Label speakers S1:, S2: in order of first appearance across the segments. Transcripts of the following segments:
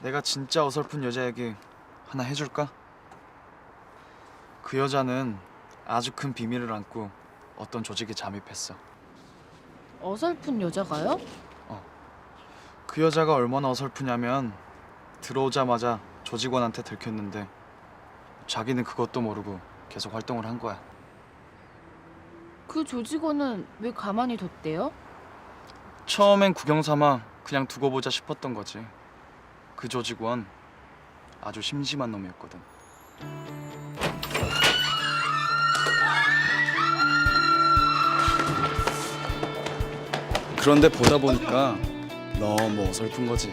S1: 내가 진짜 어설픈 여자 얘기 하나 해줄까? 그 여자는 아주 큰 비밀을 안고 어떤 조직에 잠입했어.
S2: 어설픈 여자가요?
S1: 그 여자가 얼마나 어설프냐면 들어오자마자 조직원한테 들켰는데 자기는 그것도 모르고 계속 활동을 한 거야.
S2: 그 조직원은 왜 가만히 뒀대요?
S1: 처음엔 구경 삼아 그냥 두고 보자 싶었던 거지. 그 조직원 아주 심심한 놈이었거든. 그런데 보다 보니까 너무 어설픈 거지.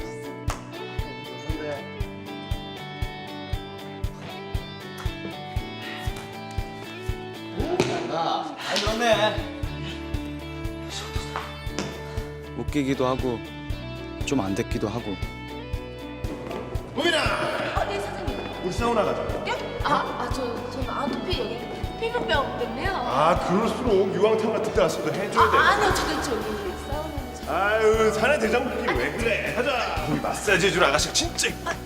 S1: 그렇네. 웃기기도 하고 좀 안 됐기도 하고.
S3: 우민아!
S2: 네 사장님.
S3: 우리 사우나 가자.
S2: 저는 아토피 여기 피부병 때문에요.
S3: 그럴수록 유황탕 같은 데 갔어도 해줘야 돼.
S2: 아니요, 저기 사우나는
S3: 아유, 사내 대장부끼리 왜 그래? 하자. 거기 마사지 해줄 아가씨 진짜.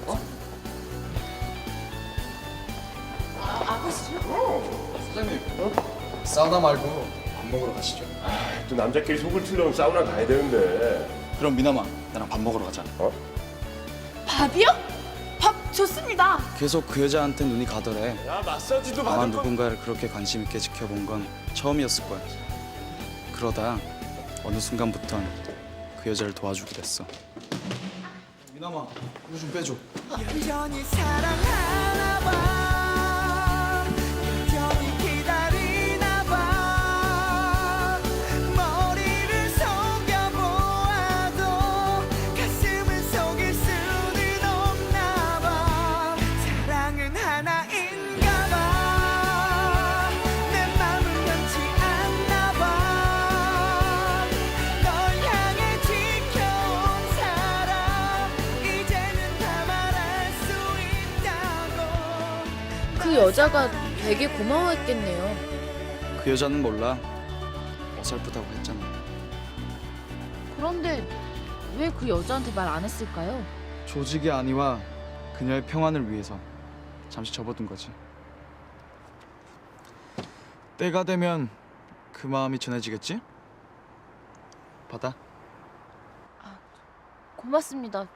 S2: 아버지요?
S1: 사장님, 사우나 말고 밥 먹으러 가시죠.
S3: 또 남자끼리 속을 틀려면 사우나 가야 되는데.
S1: 그럼 미나마, 나랑 밥 먹으러 가자.
S2: 밥이요? 밥 좋습니다.
S1: 계속 그 여자한테 눈이 가더래.
S3: 야, 마사지도
S1: 아마
S3: 받을 거.
S1: 누군가를 그렇게 관심 있게 지켜본 건 처음이었을 거야. 그러다 어느 순간부턴 그 여자를 도와주게 됐어. 미나마, 이거 좀 빼줘.
S4: 여전히 사랑하나 봐. 여전히 기다리나 봐. 머리를 속여보아도 가슴을 속일 수는 없나 봐. 사랑은 하나인가 봐. 내 맘은 변치 않나 봐. 널 향해 지켜온 사랑 이제는 다 말할 수 있다고.
S2: 그 여자가 되게 고마워했겠네요.
S1: 그 여자는 몰라. 어설프다고 했잖아.
S2: 그런데 왜 그 여자한테 말 안 했을까요?
S1: 조직이 아니와 그녀의 평안을 위해서 잠시 접어둔 거지. 때가 되면 그 마음이 전해지겠지? 받아.
S2: 고맙습니다.